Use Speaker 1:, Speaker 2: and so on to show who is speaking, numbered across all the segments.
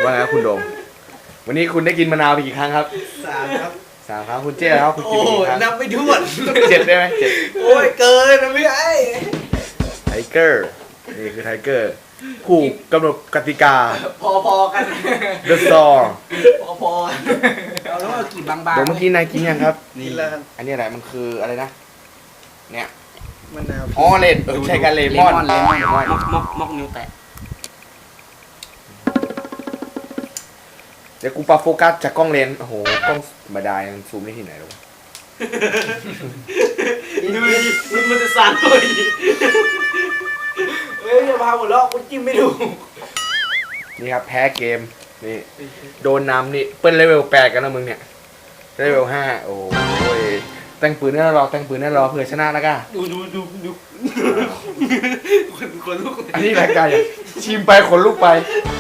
Speaker 1: ว่าไงครับคุณโดมวันนี้คุณได้กินมะนาวไปกี่ครั้งครับ
Speaker 2: 3 ครับ
Speaker 1: 3 ครั้งคุณเจ้ครับคุณกิน
Speaker 2: โอ้
Speaker 1: กี่ครั้ง
Speaker 2: นับไม่ถ้วน
Speaker 1: 7ได้ไหม7
Speaker 2: โอ้ยเกินนะพี่ไอ้
Speaker 1: ไทเกอร์นี่คือไทเกอร์ผู้กำหนดกติกา
Speaker 2: พอๆกัน
Speaker 1: The Saw
Speaker 2: พอๆกันเอาแล้วเอากี่บางๆ
Speaker 1: เดี๋ยวเมื่อกี้นายกินยังครับ
Speaker 2: นี่แล้วครับ
Speaker 1: อันนี้อะไรมันคืออะไรนะเนี่ย
Speaker 2: มะนาว
Speaker 1: อ๋อเลนใช่กันเลมอน
Speaker 3: เลมอนมอกนิ้วแตะ
Speaker 1: เดี๋ยวกูปรับโฟกัสจากกล้องเลนส์โอ้โหกล้องธรรมดายังซูมได้ที่ไหนหรอ
Speaker 3: ดูมันจะสั่นเลย
Speaker 2: เฮ้ยอย่าพาหัวเราะคุณจิ้มไม่ถูก
Speaker 1: นี่ครับแพ้เกมนี่โดนนำนี่เปิ้ลเลเวล8กันนะมึงเนี่ยเลเวล5โอ้ยแต่งปืนแน่รอแต่งปืนแน่รอเผื่อชนะแล้วก็
Speaker 3: ดูคนลุก
Speaker 1: อันนี้รายการอย่างชิมไปขนลุกไป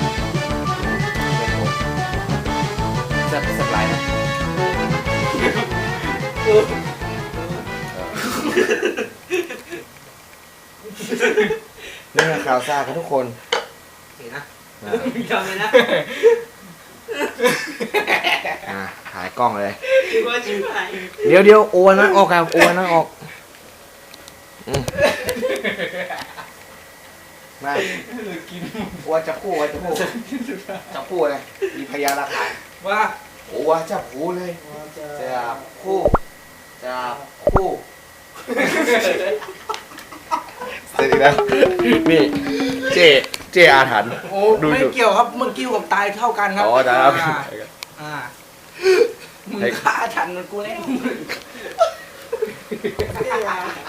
Speaker 1: สักไลน์นะนี่ข่าวซ่าครับทุกคน
Speaker 3: เห็นนะจำเลยนะ
Speaker 1: ถ่ายกล้องเลย
Speaker 3: คิดว่าชิบหาย
Speaker 1: เดี๋ยวโอวันนั้นออกครับโอวันนั้นออกมาโอวันจับคู่จับคู่เลยมีพยานหลักฐาน
Speaker 2: ว่า
Speaker 1: โอวันจับคู่เลยจับคู่เสร็จอีกแล้วนี่เจอาถรรพ์
Speaker 2: โอ้ไม่เกี่ยวครับเมื่อกี้กับตายเท่ากันครับ
Speaker 1: อ๋อได้ครับ
Speaker 2: มึงฆ่าฉันมันกูแล้ว